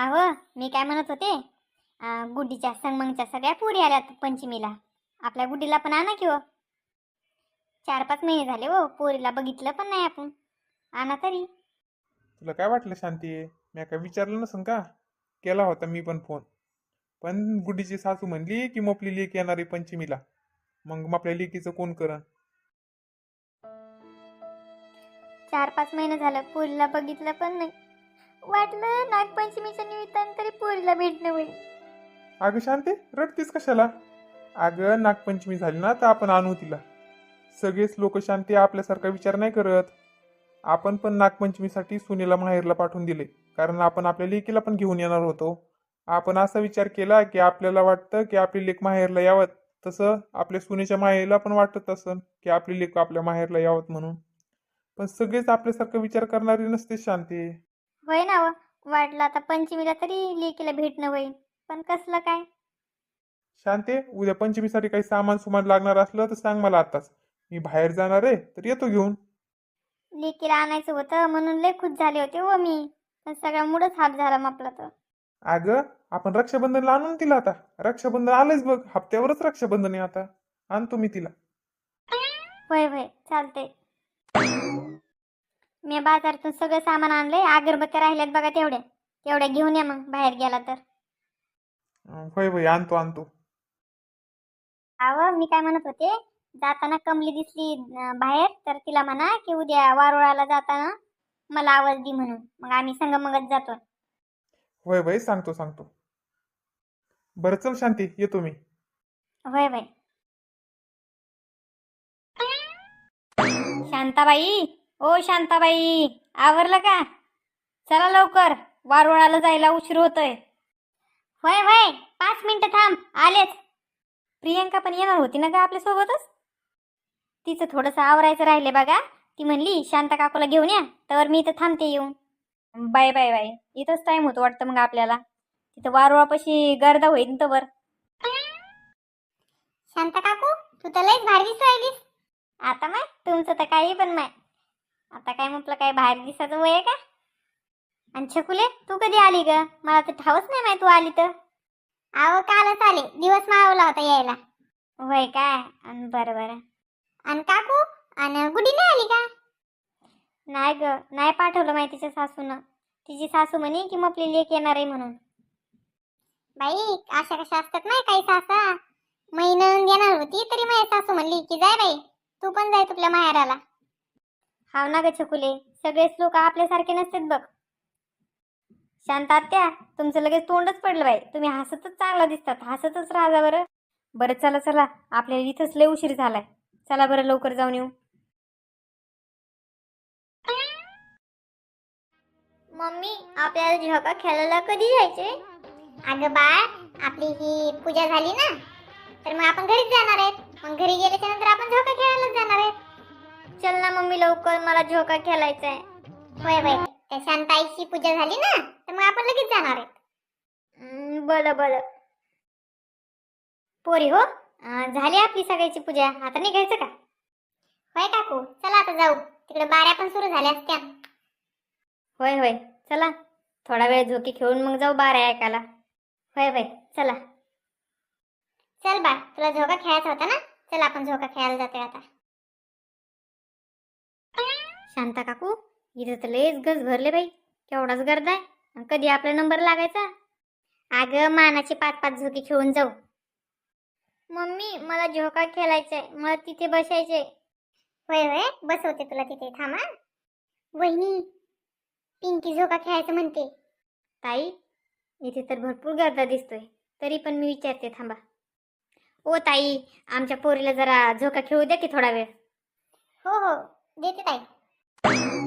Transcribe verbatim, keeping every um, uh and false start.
अहो मी काय म्हणत होते, अं, गुड्डीच्या संगमंगच्या सगळ्या पोरी आल्यात पंचमीला. आपल्या गुड्डीला पण आणा की हो. चार पाच महिने झाले हो, पोरीला बघितलं पण नाही आपण. आणा तरी. तुला काय वाटलं शांती? मी काय विचारलं नसन का? केला होता मी पण फोन. पण गुड्डीची सासू म्हणली की मग आपली लेक येणार आहे पंचमीला. मग मग आपल्या लेकीचं कोण करण? चार पाच महिने झालं पोरीला बघितलं पण नाही. वाटलं नागपंचमीच्या निमित्तानं तरी पोरीला भेटणं होईल. अगं शांती, रडतीस कशाला? अगं नागपंचमी झाली ना तर आपण आणू तिला. सगळेच लोक शांती आपल्यासारखा विचार नाही करत. आपण पण नागपंचमीसाठी सुनेला माहेरला पाठवून दिले, कारण आपण आपल्या लेकीला पण घेऊन येणार होतो. आपण असा विचार केला की आपल्याला वाटतं की आपली लेक माहेरला यावं, तसं आपल्या सुनेच्या माहेरला पण वाटत असं की आपली लेक आपल्या माहेरला यावत म्हणून. पण सगळेच आपल्यासारखा विचार करणारी नसते शांती. होय ना व, वाटलं आता पंचमीला तरी लेकीला भेटणं होईल, पण कसलं काय. शांते, उद्या पंचमीसाठी काही सामान सुमान लागणार असलं तर सांग मला आताच. मी बाहेर जाणार आहे तर येतो घेऊन. लेकीला आणायचं होतं म्हणून लय खुश झाले होते हो मी, पण सगळा मूडच हाफ झाला आपला तर. अगं आपण रक्षाबंधनला आणून तिला आता. रक्षाबंधन आलंच बघ, हप्त्यावरच रक्षाबंधन आहे आता. आणतो मी तिला. होय होय चालतंय. मी बाजारातून सगळं सामान आणलंय, अगरबत्त्या राहिल्यात बघा तेवढ्या. तेवढ्या घेऊन या मग बाहेर गेला तर. अं, होय होय आणतो आणतो. अहो मी काय म्हणत होते, जाताना कमली दिसली अं, बाहेर, तर तिला म्हणा की उद्या वारुळाला जाताना मला आवाज दे म्हणून. मग आम्ही संगमंगत जातो. होय होय सांगतो सांगतो. बरं चल शांती, येतो मी. होय होय. शांताबाई, ओ शांताबाई, आवरलं का? चला लवकर, वारुळाला जायला उशीर होतोय. होय होय, पाच मिनिटं थांब, आलेच. प्रियंका पण येणार होती ना ग आपल्यासोबतच. तिचं थोडंसं आवरायचं राहिले बघा. ती म्हणली शांता काकूला घेऊन या, तर मी इथं थांबते येऊन. बाय बाय बाय, इथंच टाइम होतो वाटतं मग आपल्याला. तिथं वारुळापाशी गर्दा होईल तर. शांता काकू, तू तर लयच भारी दिसू राहिलीस. आता माय तुमचं तर काही पण माय. आता काय म्हटलं, काय बाहेर दिसायचं वय आहे का? आणि छकुले, तू कधी आली ग? मला तर ठावच नाही माय तू आली तर. आहो कालच आले, दिवस मावला होता यायला. होय काय? अन बरं बरं. आणि काकू आणि गुडी नाही आली का? नाही ग, नाही पाठवलं माय तिच्या सासूनं. तिची सासू म्हणे की मग आपली लेक येणार आहे म्हणून. बाई अशा कशा असतात नाही काही सासा. महिनं येणार होती तरी माझी सासू म्हणली की जाय बाई, तू पण जाय तुझ्या माहेराला. हाव ना ग छकुले, सगळेच लोक आपल्यासारखे नसतात बघ. शांत आत्या, तुमचं लगेच तोंडच पडलं बाई. तुम्ही हसतच चांगला दिसतात, हसतच राहा बरं. बरं चला चला, आपल्याला इथंच लय उशीर झालाय. चला बरं लवकर जाऊन येऊ. मम्मी, आपल्याला झोका खेळायला कधी जायचे? अगं बाळ, आपली ही पूजा झाली ना, तर मग आपण घरीच जाणार आहेत. मग घरी गेल्याच्या नंतर आपण झोका खेळायला जाणार आहेत. चल ना मम्मी लवकर, मला झोका खेळायचा आहे. होय होय, त्या शांताईची पूजा झाली ना, तर मग आपण लगेच जाणार आहेत. बरं बरं. पोरी हो, अं, झाली आपली सगळ्याची पूजा, आता निघायचं का? होय काकू, चला आता जाऊ. तिकडे बाऱ्या पण सुरू झाल्या असत्या. होय होय, चला थोडा वेळ झोकी खेळून मग जाऊ बारा ऐकायला. होय होय चला. चल बा, तुला झोका खेळायचा होता ना, चल आपण झोका खेळायला जातोय आता. शांता काकू, इथं तर लयच गज भरले बाई. केवढाच गर्द आहे. कधी आपला नंबर लागायचा? अगं मानाची पाच पाच झोकी खेळून जाऊ. मम्मी, मला झोका खेळायचा आहे, मला तिथे बसायचंय. होय होय, बसवते तुला तिथे, थांबा. वहिनी, पिंकी झोका खेळायचं म्हणते. ताई, इथे तर भरपूर गर्दा दिसतोय, तरी पण मी विचारते, थांबा. ओ ताई, आमच्या पोरीला जरा झोका खेळू द्या की थोडा वेळ. हो हो, देते ताई.